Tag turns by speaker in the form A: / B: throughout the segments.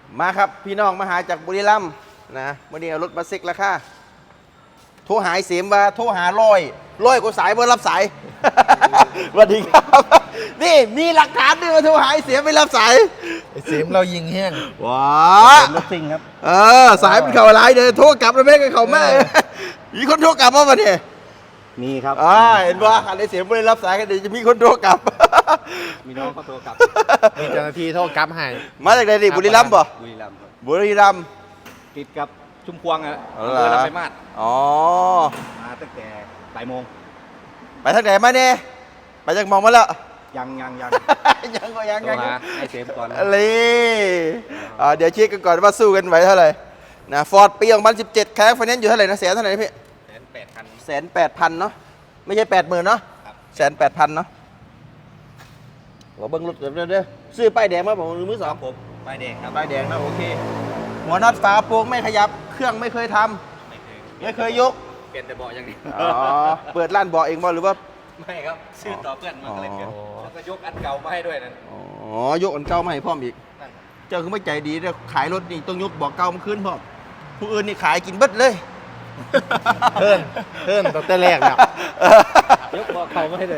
A: มาครับพี่น้องมาหาจากบุรีรัมย์นะวันนี้เอารถมาเซ็กราคาโทรหายเสียมว่าโทรหาร้อยกว่าสายเบอร์รับสาย สวัสดีครับนี่มีหลักฐานด้วยว่าโทรหายเสียมไม่รับสาย
B: เสียมเรายิงแห้ง
A: ว้า
C: รถซิ่งครับ
A: สายเป็นเข่าอะไรเด้อโทรกลับแล้วไม่ได้เข่าแม่มีคนโทรกลับมาเนี่ย
C: มีครับ
A: เห็นว่าหาได้เสียมไม่ได้รับสายกันเดี๋ยวจะมีคนโทรกลับ
C: มีน้องเขาโทรกลับ
B: มีเจ้าหน้าที่โทษกลับให้
A: มาจากไหนดิบุรีรัมย์ป่ะ
C: บุรีรัมย์ครับ
A: บุรีรัมย์
C: ติดกับชุมพวงอ่ะ
A: อ๋อ
C: อำเภอลำปางมาศ
A: อ๋อ
C: มาตั้งแต่บ่ายโมง
A: ไปทางไหนมาเนี่ยไปจากมองมาแล้ว
C: ยัง
A: ยัง
C: โทรหาไอ้เสมก่อน
A: อะไรเดี๋ยวเช็คกันก่อนว่าสู้กันไหวเท่าไหร่นะฟอร์ดปี2017แคร์ไฟแนนซ์อยู่เท่าไหร่นะแสนเท่าไหร่นะพี่
C: 180,000
A: 180,000เนาะไม่ใช่80,000เนาะ
C: ครับ
A: 180,000เนาะเราเบิ้งรถเดี๋ยวซื้อป้ายแดงมาผมมือส
C: ค
A: อ
C: รั
A: ง
C: บผมป้ายแดงครับ
A: ป้ายแดงนะโอเคหัวน็อตฝาโปร่งไม่ขยับเครื่องไม่เคยทำ
C: ไม่เคย
A: ไม่เคยยก
C: เปลี่ยนแต่เบาะอย่างนี้
A: อ๋อเปิดร้านเบาะเองบ่หรือว่า
C: ไม่ครับซื้อต่อเพื่อนมันก็เลยเปลี่ยน
A: อ๋อ
C: แล้วก็ยกอันเก่ามาให้ด้วยนั่น
A: อ๋อยกอันเก่ามาให้พร้อมอีก
C: นั่น
A: เจ้าคือไม่ใจดีเนี่ยขายรถนี่ต้องยกเบอกเก่ามาขึ้นพร้อมผู้อื่นนี่ขายกินเบิดเลย
B: เพิ่นตั้งแต่แรกแล้ว
C: ยกเบาะเก่ามาให้เลย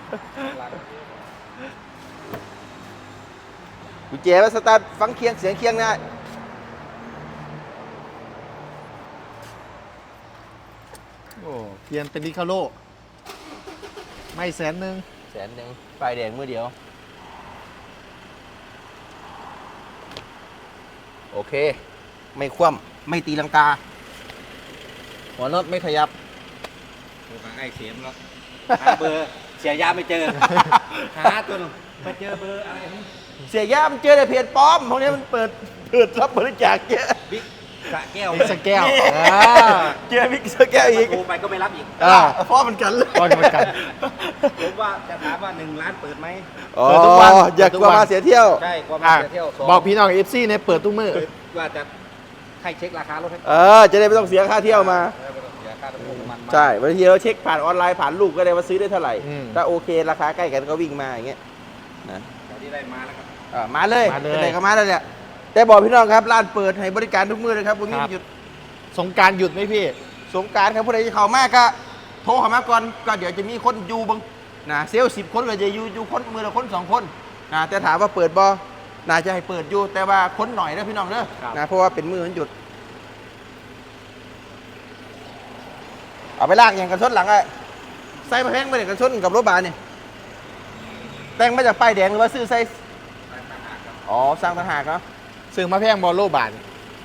A: กุญแจว่าสตาร์ทฟังเคียงเสียงเคียงได้
B: โอ้เปลี่ยนเป็นดิคาโลไม่100,000
A: 100,000ป้ายแดงมือเดียวโอเคไม่คว่ำไม่ตีลังกาหัวน็อตไม่ขยับ
C: โทรหาไอ้เสมแล้วหาเบอร์เสียยาไม่เจอ หาตัวหนึงไปเจอเบอร์อะไร
A: เสียย่ามันเจอแต่เพจปลอมพวกนี้มันเปิดรับบริจาคเยอะ
C: บิ๊กสระแก้ว
B: อีกสักแก้ว
A: เจอมิกเซอร์แก้วอีก
C: โทรไปก็ไม่รับอีก
A: เพราะมันกันเลย
B: ก็เหมือนกัน
C: ผมว่าจะถามว่า1 ล้านเปิดไหม
A: อ๋อ
B: เปิดทุกวัน
A: อยากกลัวมาเสียเที่ยว
C: ใช่ความ
B: อ่ะ
C: เสียเที่ยวสง
B: บอกพี่น้องเอฟซีเนี่ยเปิดทุกมือ
C: ว่าจะให้เช็คราคารถให้
A: จะได้ไม่ต้องเสียค่าเที่ยวมา
C: ไม่ต้องเสียค่าน้ำมันมา
A: ใช่บางทีเราเช็คผ่านออนไลน์ผ่านลูกก็ได้ว่าซื้อได้เท่าไหร่
B: อืม
A: ถ้าโอเคราคาใกล้กันก็วิ่งมาอย่างเงี้ยนะ
C: เดี๋ยวที่ได้มาแล้วครับ
A: มาเลย
B: มาเลย
A: เป็นไหนก็มาแล้วแหละแต่บอกพี่น้องครับร้านเปิดให้บริการทุกมื้อเลยครับวันนี้
B: ครับ
A: หยุด
B: สงกรารหยุดไหมพี่
A: สงกรารครับผู้ใดที่เข้ามาก็โทรเข้ามาก่อนก็เดี๋ยวจะมีคนอยู่บังนะเซลล์10 คนก็จะอยู่คนมือละคน2 คนนะแต่ถามว่าเปิดบ่น่าจะให้เปิดอยู่แต่ว่าคนหน่อยนะพี่น้องเด้อ
B: ครับ
A: นะเพราะว่าเป็นมือมันหยุดเอาไปลากอย่างกันชนหลังไอ้ใส่มาแพงไปเด็กกันชนกับรถบาเนี่ยแต่งมาจากป้ายแดงหรือว่าซื้อใส่อ๋อสร้างต่างหากเนาะ
B: ซื้อมาแพงบอลโลบาท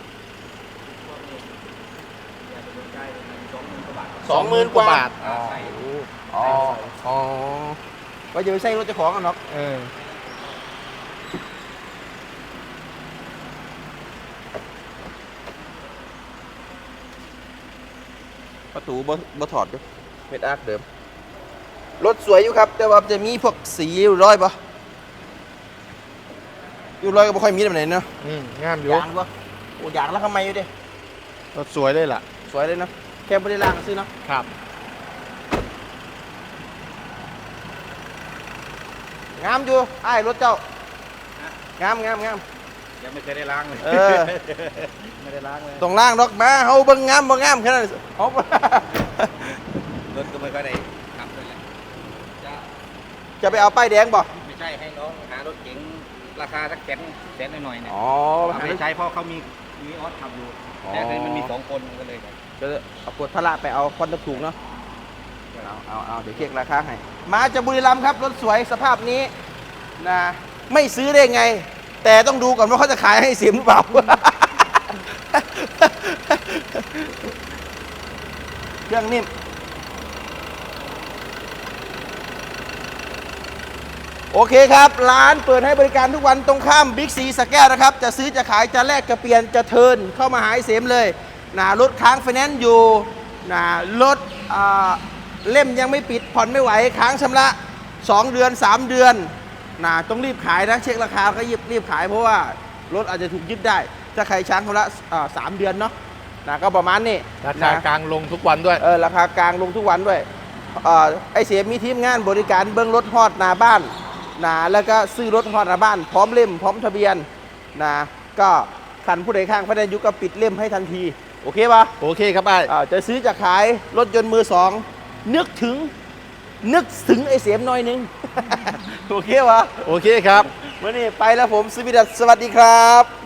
A: 20,000 กว่าบาท
C: อ่าใส่
A: อ๋อก็จะไปใส่รถเจ้าของกันเนาะ
B: เออ
A: ประตูบ่ถอดอยู่เม็ดอาร์คเดิมรถสวยอยู่ครับ แต่ว่าจะมีพวกสีอยู่ร้อยปะอยู่ร้อยก็ไม่ค่อยมีแบบไหนเนาะ
B: งามอยู่
A: ยางปะโอ้ยางแล้วทำไมอยู่ดิ
B: รถสวยเลยล่ะ
A: สวยเลยเนาะแค่ไม่ได้ล่างก็ซื้อเนาะ
B: ครับ
A: งามอยู่ไอ้ายรถเจ้า งาม
C: ยังไม่เคยได้ล้างเลย
A: เออ
C: ไม่ได้ล้างเลย
A: ต้องล่างดอกมาเฮาเบิ่งงามบ่งามแค่นั้นเฮาร
C: ถก็ไม่ค่อยได้ขับเลยแหละจะ
A: จะไปเอาป้ายแดงบ่
C: ไม่ใช่ให้น้องหารถเก๋งราคาสักแสนหน่อยๆเนี่ย
A: อ๋อ
C: เอาไปใช้เพราะเขามีออสขับอยู่
A: อ๋อ
C: แต่คือมันมี2 คนก็เลยแบบ
A: จะเอาขวดพละไปเอาควันถูกเนาะเอาเดี๋ยวเช็คราคาให้มาจากบุรีรัมย์ครับรถสวยสภาพนี้นะไม่ซื้อได้ไง แต่ต้องดูก่อนว่าเขาจะขายให้เสียมหรือเปล่า เครื่องนิ่มโอเคครับร้านเปิดให้บริการทุกวันตรงข้ามบิ๊กซีสระแก้วนะครับจะซื้อจะขายจะแลกจะเปลี่ยนจะเทิร์นเข้ามาหาไอ้เสียมเลยนะรถค้างไฟแนนซ์อยู่นะรถเล่มยังไม่ปิดผ่อนไม่ไหวค้างชำระ2 เดือน 3 เดือนนะต้องรีบขายนะเช็คราคาก็รีบขายเพราะว่ารถอาจจะถูกยึดได้ถ้าใครช้างชำระ3 เดือนเนาะนะก็ประมาณนี้
B: ราคากลางลงทุกวันด้วย
A: ราคากลางลงทุกวันด้วยไอเสียมีทีมงานบริการเบิ้งรถฮอดหน้าบ้านนะแล้วก็ซื้อรถฮอดหน้าบ้านพร้อมเล่มพร้อมทะเบียนนะก็ขันผู้ใดข้างไฟแนนซ์อยู่ก็ปิดเล่มให้ทันที โอเคปะ
B: โอเคครับไอ้
A: จะซื้อจะขายรถยนต์มือสองนึกถึงไอ้เสียมหน่อยนึง โอเควะ
B: โอเคครับ
A: วันนี้ไปแล้วผมสวิดัสสวัสดีครับ